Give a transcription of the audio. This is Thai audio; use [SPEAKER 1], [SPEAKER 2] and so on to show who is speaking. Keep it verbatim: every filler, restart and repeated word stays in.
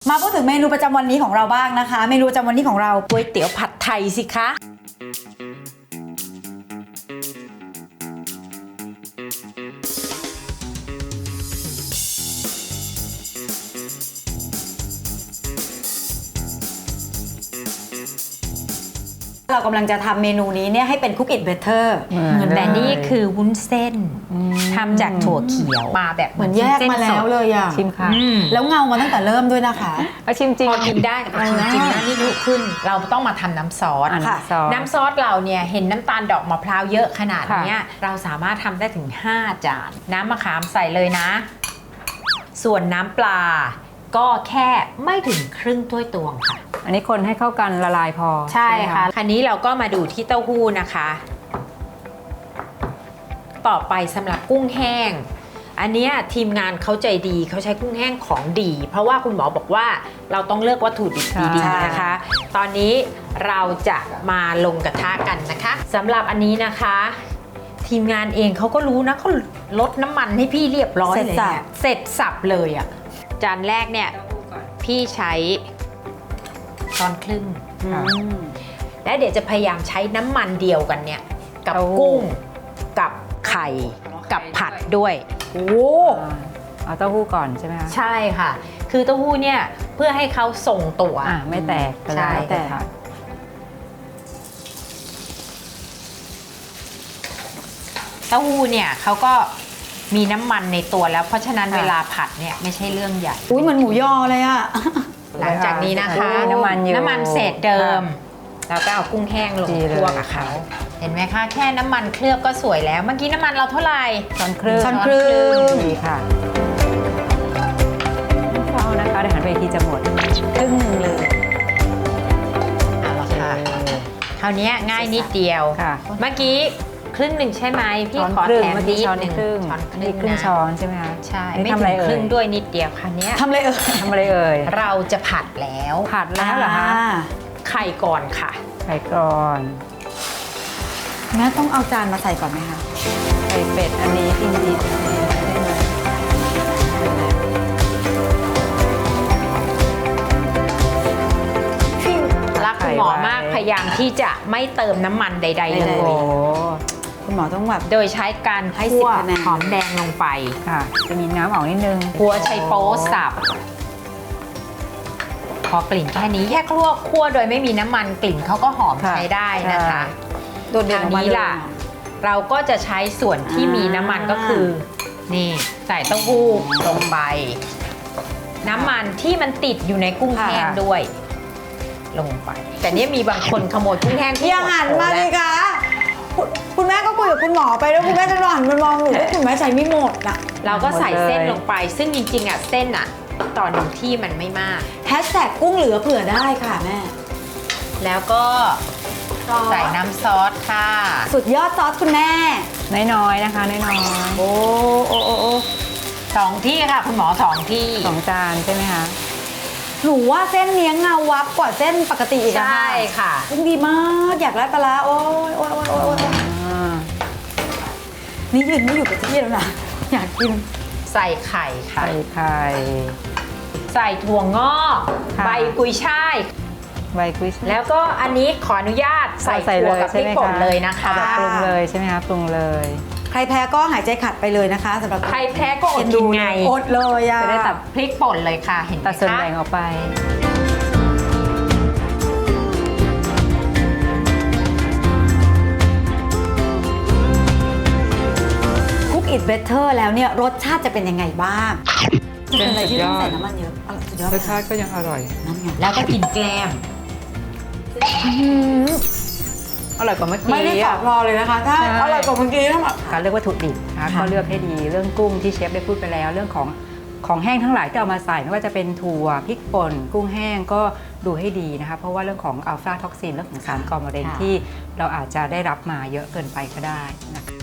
[SPEAKER 1] มาพูดถึงเมนูประจำวันนี้ของเราบ้างนะคะ เมนูประจำวันนี้ของเราก๋วยเตี๋ยวผัดไทยสิคะเรากำลังจะทำเมนูนี้เนี่ยให้เป็นคุกอิทเบเตอร์เหมือนแต่นี่คือวุ้นเส้นทำจากถั่วเขียวมาแบบ
[SPEAKER 2] เหมือนแยกมาแล้วเลยอ่ะ
[SPEAKER 3] ชิมค่ะ
[SPEAKER 1] แล้วเงามาตั้งแต่เริ่มด้วยนะคะ
[SPEAKER 3] เอาชิมจริง
[SPEAKER 2] พอกินได้แต่ชิมจริงนะนี่ลุกขึ้นเราต้องมาทำน้ำซอส
[SPEAKER 3] ค่ะ
[SPEAKER 2] น้ำซอสเราเนี่ยเห็นน้ำตาลดอกมะพร้าวเยอะขนาดนี้เราสามารถทำได้ถึงห้าจานน้ำมะขามใส่เลยนะส่วนน้ำปลาก็แค่ไม่ถึงครึ่งถ้วยตวงค่ะ
[SPEAKER 3] อันนี้คนให้เข้ากันละลายพอ
[SPEAKER 2] ใช่ค่ะคราวนี้เราก็มาดูที่เต้าหู้นะคะต่อไปสำหรับกุ้งแห้งอันนี้ทีมงานเขาใจดีเขาใช้กุ้งแห้งของดีเพราะว่าคุณหมอบอกว่าเราต้องเลือกวัตถุดิบดีๆนะคะตอนนี้เราจะมาลงกระทะกันนะคะสำหรับอันนี้นะคะทีมงานเองเขาก็รู้นะเขาลดน้ำมันให้พี่เรียบร้อยเลยเสร็จสับเลยอ่ะจานแรกเนี่ยพี่ใช้ช้อนครึ่งและเดี๋ยวจะพยายามใช้น้ำมันเดียวกันเนี่ยกับกุ้งกับไข่กับผัดด้วยโอ้
[SPEAKER 3] เอาเต้าหู้ก่อนใช่ไหมคะ
[SPEAKER 2] ใช่ค่ะคือเต้าหู้เนี่ยเพื่อให้เขาส่งตัว
[SPEAKER 3] อ่ะไม่แตก
[SPEAKER 2] ใช่
[SPEAKER 3] แต่
[SPEAKER 2] เต้าหู้เนี่ยเขาก็มีน้ำมันในตัวแล้วเพราะฉะนั้นเวลาผัดเนี่ยไม่ใช่เรื่องใหญ่
[SPEAKER 1] อุ้ยเหมือนหมูยอเลยอะ
[SPEAKER 2] หลังจากนี้นะคะ
[SPEAKER 3] น้ำมันอยู่
[SPEAKER 2] น้ำมันเศษเดิมแล้วก็เอากุ้งแห้งลงคั่วกับเขาเห็นไหมคะแค่น้ำมันเคลือบก็สวยแล้วเมื่อกี้น้ำมันเราเท่าไหร่
[SPEAKER 3] ช้อนครึ่ง
[SPEAKER 1] ช้อนครึ่ง
[SPEAKER 3] ดีค่ะเฝ้านะคะเดี๋ยวหันไปทีจะหมด
[SPEAKER 1] ครึ่งหนึ่งเลย
[SPEAKER 2] เอาละค่ะคราวนี้ง่ายนิดเดียวเมื่อกี้ครึ่งหนึ่งใช่ไหมพี่ขอแถมนิดหนึ่ง
[SPEAKER 3] ช้อนครึ่งครึ่งช้อนใช่ไหมคะ
[SPEAKER 2] ใช่ไม่ถึงครึ่งด้วยนิดเดียวค่ะเนี้ย
[SPEAKER 1] ทำอะไรเอ่ย
[SPEAKER 3] ทำอะไรเอ่ย
[SPEAKER 2] เราจะผัดแล้ว
[SPEAKER 3] ผัดแล้วเหรอคะ
[SPEAKER 2] ไข่ก่อนค่ะ
[SPEAKER 3] ไข่ก่อน
[SPEAKER 1] แม่ต้องเอาจานมาใส่ก่อนไหมคะ
[SPEAKER 3] ไข่เป็ดอันนี้จริงๆ
[SPEAKER 2] รักคุณหมอมากพยายามที่จะไม่เติมน้ำมันใดๆเลย
[SPEAKER 1] คุณหมอต้องแบบ
[SPEAKER 2] โดยใช้การคั่วหอมแดงลงไป
[SPEAKER 3] ค่ะจะมีน้ำออกนิดนึง
[SPEAKER 2] หัวไชโป๊สับพอกลิ่นแค่นี้แค่คั่วคั่วโดยไม่มีน้ำมันกลิ่นเขาก็หอมใช้ได้นะคะ
[SPEAKER 1] โดดเด่น
[SPEAKER 2] นี้ล่ะเราก็จะใช้ส่วนที่มีน้ำมันก็คือนี่ใส่เต้าหู้ลงไปน้ำมันที่มันติดอยู่ในกุ้งแห้งด้วยลงไปแต่เนี่ยมีบางคนขโมยกุ้งแห้งที่
[SPEAKER 1] อย่าหันมาเลยค่ะคุณแม่ก็คุยกับคุณหมอไปแล้วคุณแม่จะหันมามองหนูว่าคุณแม่ใส่ไม่หมดอ่ะ
[SPEAKER 2] เราก็ใส่เส้นลงไปซึ่งจริงๆอ่ะเส้นอ่ะต่อหนึ่งที่มันไม่มาก
[SPEAKER 1] แฮชแท็กกุ้งเหลือเผื่อได้ค่ะแม่
[SPEAKER 2] แล้วก็ใส่น้ำซอสค่ะ
[SPEAKER 1] สุดยอดซอสคุณแม่
[SPEAKER 3] น้อยๆนะคะน้อย
[SPEAKER 1] ๆโอ้โอ้โอ้โอ้
[SPEAKER 2] สองที่ค่ะคุณหมอสองที่
[SPEAKER 3] สองจานใช่ไหมคะ
[SPEAKER 1] หนูว่าเส้นเนี้ยเงาวับกว่าเส้นปกติอีกนะคะ
[SPEAKER 2] ใช่ค่ะ
[SPEAKER 1] กุ้งดีมากอยากได้ปลาโอ้ยโอ้ยโอ้ยโอ้ยนี่ยืนไม่อยู่กับที่แล้วนะอยากกิน
[SPEAKER 2] ใส่ไข่ค่ะ
[SPEAKER 3] ใส่ไข่
[SPEAKER 2] ใส่ถั่วงอกใบกุยช่าย
[SPEAKER 3] ใบกุย
[SPEAKER 2] แล้วก็อันนี้ขออนุญาตใส่ถั่วกับพริกป่นเลยนะคะ
[SPEAKER 3] ปรุงเลยใช่ไหมคะปรุงเลย
[SPEAKER 1] ใครแพ้ก็หายใจขัดไปเลยนะคะสำหรับ
[SPEAKER 2] ใครแพ้ก็อดกินไง
[SPEAKER 1] อดเลยอ่ะ
[SPEAKER 2] จะได้ตัดพริกป่นเลยค่ะเห็นไหมคะ
[SPEAKER 3] ตัดส่วนแบ่งออกไป
[SPEAKER 1] คุกอิทเบเตอร์แล้วเนี่ยรสชาติจะเป็นยังไงบ้างจะเป็นอะไรที่ต้องใส่น้ำมันเยอะ
[SPEAKER 3] รสชาติก็ยังอร่อย
[SPEAKER 1] นั่นไง
[SPEAKER 2] แล้วก็กินแกล้ม
[SPEAKER 3] อร่อยกว่าเมื่อกี้
[SPEAKER 1] ไม่ได้ตอบรอเลยนะคะถ้าอร่อยกว่าเมื่อกี้ถ้า
[SPEAKER 3] การเลือกวัตถุดิบนะคะก็เลือกให้ดีเรื่องกุ้งที่เชฟได้พูดไปแล้วเรื่องของของแห้งทั้งหลายที่เอามาใส่ไม่ว่าจะเป็นถั่วพริกป่นกุ้งแห้งก็ดูให้ดีนะคะเพราะว่าเรื่องของอัลฟาท็อกซินเรื่องของสารก่อมะเร็งที่เราอาจจะได้รับมาเยอะเกินไปก็ได้นะคะ